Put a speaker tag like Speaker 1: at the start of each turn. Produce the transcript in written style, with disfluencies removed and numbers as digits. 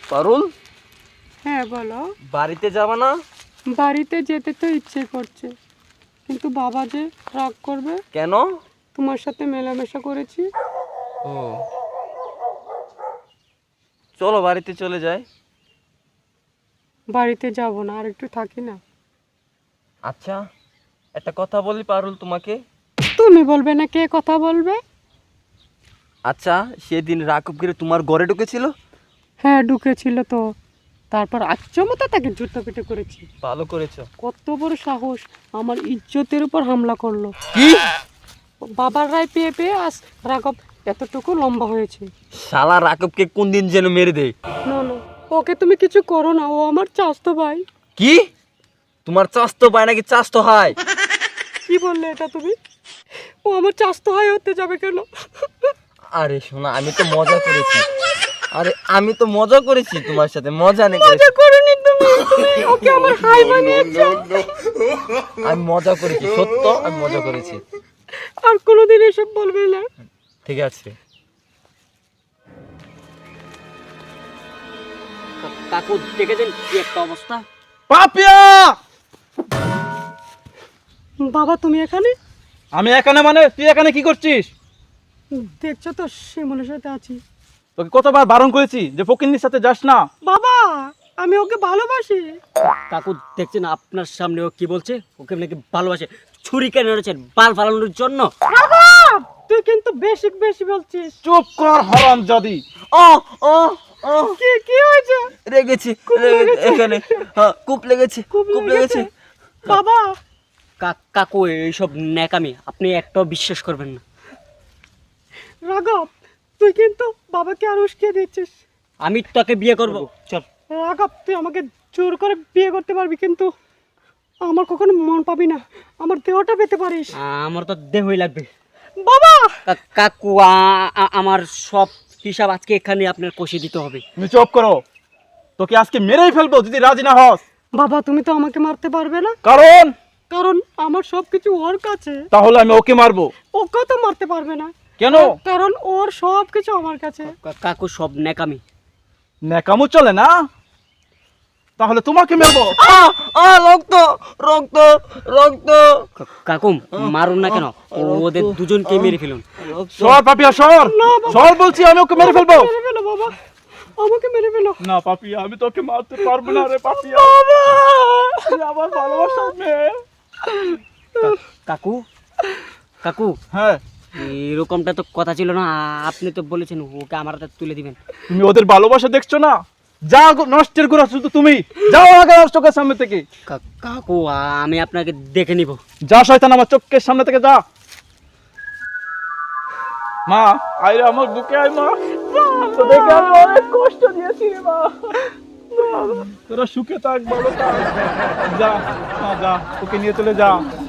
Speaker 1: পারুল,
Speaker 2: হ্যাঁ বলো।
Speaker 1: বাড়িতে যাবা না?
Speaker 2: বাড়িতে যেতে তো ইচ্ছে করছে, কিন্তু বাবা যে রাগ করবে।
Speaker 1: কেন?
Speaker 2: তোমার সাথে মেলামেশা করেছি।
Speaker 1: ও, চলো বাড়িতে চলে যাই।
Speaker 2: বাড়িতে যাব না, আর একটু থাকি না।
Speaker 1: আচ্ছা, একটা কথা বলি পারুল তোমাকে।
Speaker 2: তুমি বলবে না, কে কথা বলবে?
Speaker 1: আচ্ছা, সেদিন রাকুব গিরে তোমার ঘরে ঢুকেছিল?
Speaker 2: হ্যাঁ ঢুকেছিল তো, তারপর আচ্চমতো তাকে জুতো পিটে করেছি।
Speaker 1: ভালো করেছো।
Speaker 2: কত বড় সাহস, আমার ইজ্জতের উপর হামলা করলো।
Speaker 1: কি?
Speaker 2: বাবার রায় পেয়ে পেয়ে আজ রাঘব এতটুকু লম্বা হয়েছে।
Speaker 1: শালা রাকুবকে কোন দিন যেন মেরে দেয়।
Speaker 2: না না, ওকে তুমি কিছু করো না, ও আমার চাচতো ভাই।
Speaker 1: কি? তোমার চাস্তো ভাই নাকি চাস্তো হয়?
Speaker 2: কি বললে এটা তুমি? ও আমার চাচতো ভাই হতে যাবে কেন?
Speaker 1: আরে শোনা, আমি তো মজা করেছি। আরে আমি তো মজা করেছি তোমার সাথে, মজা নেই
Speaker 2: মজা করনি তুমি, তুমি ওকে আমার হাই বানিয়েছো।
Speaker 1: আমি মজা করেছি, সত্য আমি মজা করেছি।
Speaker 2: আর কোনোদিন এসব বলবে না।
Speaker 1: ঠিক আছে।
Speaker 3: কাকু দেখেছেন কি একটা অবস্থা?
Speaker 4: পাপিয়া,
Speaker 2: বাবা তুমি এখানে?
Speaker 4: আমি এখানে মানে তুই এখানে কি করছিস?
Speaker 2: দেখছো তো শিমুলের সাথে আছি।
Speaker 4: তোকে কতবার বারণ করেছি যে ফকিন্নির সাথে যাস না।
Speaker 2: বাবা আমি ওকে ভালোবাসি।
Speaker 3: কাকু দেখছেন আপনার সামনে ও কি বলছে? ওকে নাকি ভালোবাসে। ছুরি কেন এনেছেন? বাল ফালানোর জন্য?
Speaker 2: বাবা তুই কিন্তু বেশি বেশি বলছিস।
Speaker 4: চুপ কর হারামজাদি।
Speaker 1: ও ও ও,
Speaker 2: কি কি হয়েছে?
Speaker 1: লেগেছে এখানে। হ্যাঁ, কূপ লেগেছে, কূপ লেগেছে।
Speaker 2: বাবা
Speaker 3: কাকু এইসব ন্যাকামি আপনি একটাও বিশ্বাস করবেন না।
Speaker 2: রাঘব তুই কিন্তু বাবাকে আর উস্কিয়ে দিচ্ছিস।
Speaker 3: আমি তোকে বিয়ে করব। চল।
Speaker 2: রাঘব তুই আমাকে জোর করে বিয়ে করতে পারবি, কিন্তু আমার কখনো মন পাবি না, আমার দেহটা পেতে পারিস।
Speaker 3: আমার তো দেহই লাগবে।
Speaker 2: বাবা
Speaker 3: কাকু আমার সব হিসাব আজকে এখানে আপনার কষে দিতে হবে।
Speaker 4: তুমি চুপ করো, তোকে আজকে মেরেই ফেলবো যদি রাজি না হস।
Speaker 2: বাবা তুমি তো আমাকে মারতে পারবে না,
Speaker 4: কারণ
Speaker 2: কারণ আমার সবকিছু ওর কাছে।
Speaker 4: তাহলে আমি ওকে মারবো।
Speaker 2: ওকে তো মারতে পারবে না।
Speaker 4: কেন?
Speaker 2: কারণ ওর সবকিছু আমার কাছে।
Speaker 3: কাকু সব ন্যাকামি।
Speaker 4: ন্যাকামো চলে না, তাহলে তোমাকে মারবো।
Speaker 1: রক্ত রক্ত রক্ত।
Speaker 3: কাকু মারুন না কেন, ওদের দুজনকে মেরে ফেলুন।
Speaker 4: সর পাপিয়া, সর সর বলছি, আমি ওকে মেরে ফেলবো।
Speaker 2: মেরে ফেলো বাবা, আমাকে মেরে ফেলো।
Speaker 4: না পাপিয়া, আমি তোকে মারতে পারবো না রে পাপিয়া। তুই আমার ভালোবাসার মেয়ে।
Speaker 3: কাকু কাকু
Speaker 4: হ্যাঁ,
Speaker 3: এরকমটা তো কথা ছিল না। আপনি তো বলেছেন ওকে আমার হাতে তুলে দিবেন।
Speaker 4: তুমি ওদের ভালোবাসা দেখছো না? যা নষ্টের গোড়া শুধু তুমি। যাও আগে আমার চোখের সামনে থেকে।
Speaker 3: কাকু আমি আপনাকে দেখে নিব।
Speaker 4: যা শয়তান, আমার চোখের সামনে থেকে যা। মা আইরে আমার বুকে আয় মা, তো দেখে আমি অনেক কষ্ট দিয়েছি রে মা। তোরা সুখে থাক, ভালো থাক। যা মা, যা, ওকে নিয়ে চলে যা।